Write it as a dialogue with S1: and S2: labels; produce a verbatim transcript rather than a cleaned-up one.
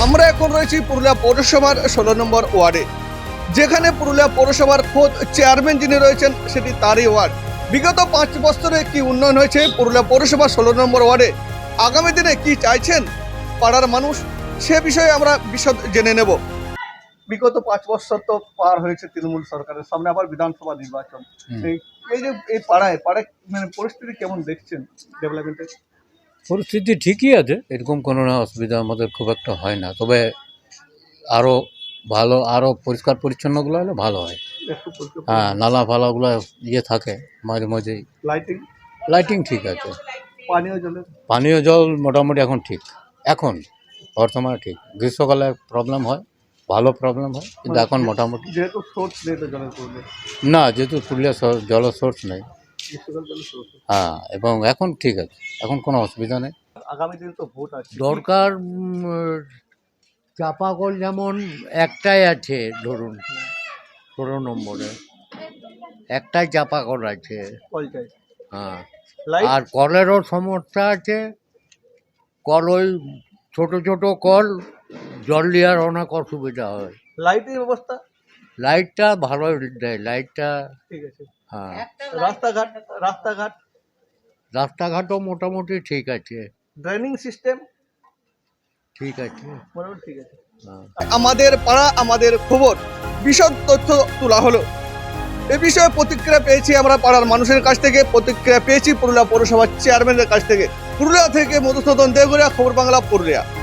S1: আমরা এখন রয়েছি পুরুলিয়া পৌরসভার ষোলো নম্বর ওয়ার্ডে, যেখানে পুরুলিয়া পৌরসভার খোদ চেয়ারম্যান যিনি রয়েছেন সেটি তারই ওয়ার্ড। বিগত পাঁচ বছরে কি উন্নয়ন হয়েছে পুরুলিয়া পৌরসভা ষোলো নম্বর ওয়ার্ডে, আগামী দিনে কি চাইছেন পাড়ার মানুষ, সে বিষয়ে আমরা বিশদ জেনে নেব। বিগত পাঁচ বছর তো পার হয়েছে তৃণমূল সরকারের, সামনে আবার বিধানসভা নির্বাচন। এই এই যে এই পাড়ায় পাড়ায় মানে পরিস্থিতি কেমন দেখছেন ডেভেলপমেন্টের?
S2: পরিস্থিতি ঠিকই আছে, এরকম কোনো না অসুবিধা আমাদের খুব একটা হয় না, তবে আরও ভালো, আরও পরিষ্কার পরিচ্ছন্নগুলো হলে ভালো হয়।
S1: একটু পরিষ্কার
S2: হ্যাঁ, নালা ফালাগুলো ইয়ে থাকে মাঝে মাঝেই।
S1: লাইটিং,
S2: লাইটিং ঠিক আছে,
S1: পানীয় জলের
S2: পানীয় জল মোটামুটি এখন ঠিক, এখন বর্তমানে ঠিক। গ্রীষ্মকালে প্রবলেম হয়, ভালো প্রবলেম হয়, কিন্তু এখন মোটামুটি।
S1: যেহেতু সোর্স নেই তো জলের প্রবলেম,
S2: না, যেহেতু পুরুলিয়া শহর জলের সোর্স নেই।
S1: গ্রীষ্মকাল জলের সোর্স।
S2: হ্যাঁ, এবং এখন ঠিক আছে, এখন কোনো অসুবিধা নেই।
S1: আগামী দিনে তো ভোট আছে,
S3: দরকার চাপা কল যেমন একটাই আছে, ধরুন ষোলো নম্বরে একটাই চাপা কল আছে।
S1: কল চাই,
S3: হ্যাঁ,
S1: লাইট
S3: আর কলেরও সমস্যা আছে। কল ওই ছোট ছোট কল, জল নেওয়ার অনেক অসুবিধা হয়।
S1: লাইটের ব্যবস্থা
S3: লাইটটা ভালোই দেয়, লাইটটা।
S1: ঠিক আছে।
S3: হ্যাঁ,
S1: রাস্তাঘাট রাস্তাঘাট
S3: রাস্তাঘাটও মোটামুটি ঠিক আছে,
S1: ড্রেনিং সিস্টেম
S3: ঠিক আছে।
S1: মোটামুটি ঠিক আছে।
S3: হ্যাঁ।
S1: আমাদের পাড়া আমাদের খবর বিশদ তথ্য তোলা হলো। এ বিষয়ে প্রতিক্রিয়া পেয়েছি আমরা পাড়ার মানুষের কাছ থেকে, প্রতিক্রিয়া পেয়েছি পুরুলিয়া পৌরসভার চেয়ারম্যানের কাছ থেকে। পুরুলিয়া থেকে মধুসূদন দেগুড়িয়া, খবর বাংলা, পুরুলিয়া।